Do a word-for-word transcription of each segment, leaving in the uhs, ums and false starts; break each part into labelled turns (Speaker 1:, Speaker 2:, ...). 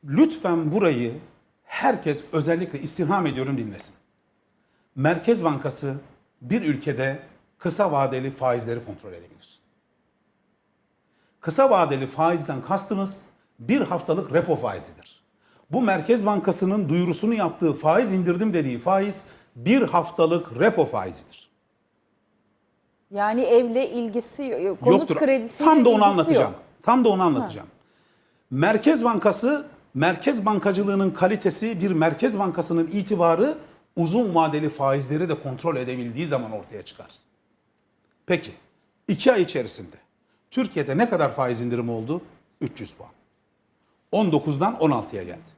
Speaker 1: Lütfen burayı herkes özellikle istirham ediyorum dinlesin. Merkez Bankası bir ülkede kısa vadeli faizleri kontrol edebilir. Kısa vadeli faizden kastımız bir haftalık repo faizidir. Bu Merkez Bankası'nın duyurusunu yaptığı faiz indirdim dediği faiz bir haftalık repo faizidir.
Speaker 2: Yani evle ilgisi, konut
Speaker 1: Yoktur.
Speaker 2: kredisiyle
Speaker 1: Tam da onu
Speaker 2: ilgisi
Speaker 1: anlatacağım.
Speaker 2: yok.
Speaker 1: Tam da onu anlatacağım. Merkez Bankası, merkez bankacılığının kalitesi, bir Merkez Bankası'nın itibarı uzun vadeli faizleri de kontrol edebildiği zaman ortaya çıkar. Peki, iki ay içerisinde Türkiye'de ne kadar faiz indirimi oldu? üç yüz puan. on dokuzdan on altıya geldi.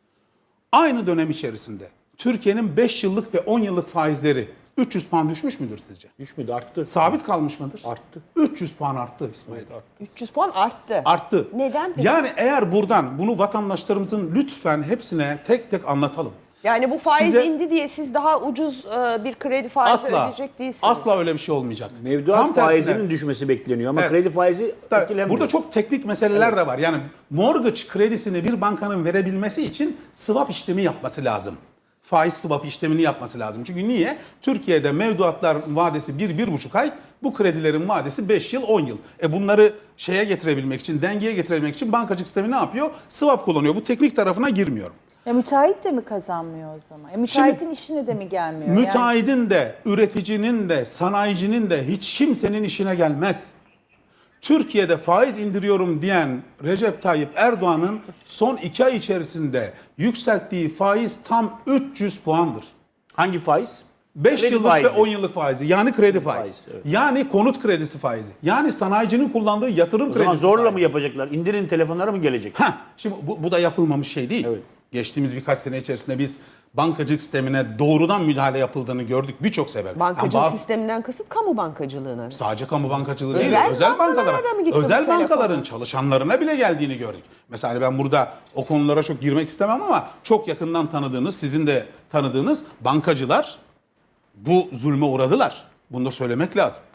Speaker 1: Aynı dönem içerisinde Türkiye'nin beş yıllık ve on yıllık faizleri üç yüz puan düşmüş müdür sizce?
Speaker 3: Düşmedi, arttı.
Speaker 1: Sabit kalmış mıdır?
Speaker 3: Arttı.
Speaker 1: üç yüz puan arttı İsmail.
Speaker 3: Evet, arttı.
Speaker 4: üç yüz puan arttı.
Speaker 1: Arttı.
Speaker 4: Neden peki?
Speaker 1: Yani eğer buradan bunu vatandaşlarımızın lütfen hepsine tek tek anlatalım.
Speaker 4: Yani bu faiz
Speaker 1: Size-
Speaker 4: indi diye siz daha ucuz e, bir kredi faizi
Speaker 1: Asla,
Speaker 4: ödeyecek değilsiniz.
Speaker 1: asla öyle bir şey olmayacak.
Speaker 3: Mevduat
Speaker 1: Tam tersine.
Speaker 3: faizinin düşmesi bekleniyor ama
Speaker 1: Evet.
Speaker 3: kredi faizi
Speaker 1: Tabii,
Speaker 3: etkilemiyor.
Speaker 1: burada çok teknik meseleler de var. Yani mortgage kredisini bir bankanın verebilmesi için swap işlemi yapması lazım. Faiz swap işlemini yapması lazım. Çünkü niye? Türkiye'de mevduatlar vadesi bir bir buçuk ay, bu kredilerin vadesi beş yıl, on yıl. E bunları şeye getirebilmek için, dengeye getirebilmek için bankacılık sistemi ne yapıyor? Swap kullanıyor. Bu teknik tarafına girmiyorum.
Speaker 2: Ya müteahhit de mi kazanmıyor o zaman? Ya müteahhitin işine de mi gelmiyor? Yani
Speaker 1: Müteahhidin de, üreticinin de, sanayicinin de hiç kimsenin işine gelmez. Türkiye'de faiz indiriyorum diyen Recep Tayyip Erdoğan'ın son iki ay içerisinde yükselttiği faiz tam üç yüz puandır.
Speaker 3: Hangi faiz?
Speaker 1: beş
Speaker 3: Kredi
Speaker 1: yıllık
Speaker 3: faizi.
Speaker 1: ve on yıllık faizi. Yani kredi faizi.
Speaker 3: faizi, evet.
Speaker 1: Yani konut kredisi faizi. Yani sanayicinin kullandığı yatırım
Speaker 3: O
Speaker 1: kredisi
Speaker 3: zaman zorla
Speaker 1: faizi.
Speaker 3: mı yapacaklar? İndirin telefonlara mı gelecek?
Speaker 1: Heh, şimdi bu, bu da yapılmamış şey değil.
Speaker 3: Evet.
Speaker 1: Geçtiğimiz birkaç sene içerisinde biz bankacılık sistemine doğrudan müdahale yapıldığını gördük birçok sefer.
Speaker 4: Bankacılık
Speaker 1: Yani bazı-
Speaker 4: sisteminden kasıt kamu bankacılığına.
Speaker 1: Sadece kamu bankacılığı değil,
Speaker 4: Özel
Speaker 1: özel
Speaker 4: bankalara
Speaker 1: bankalara,
Speaker 4: da mı gitti bu
Speaker 1: özel
Speaker 4: telefon?
Speaker 1: bankaların çalışanlarına bile geldiğini gördük. Mesela ben burada o konulara çok girmek istemem ama çok yakından tanıdığınız, sizin de tanıdığınız bankacılar bu zulme uğradılar. Bunu da söylemek lazım.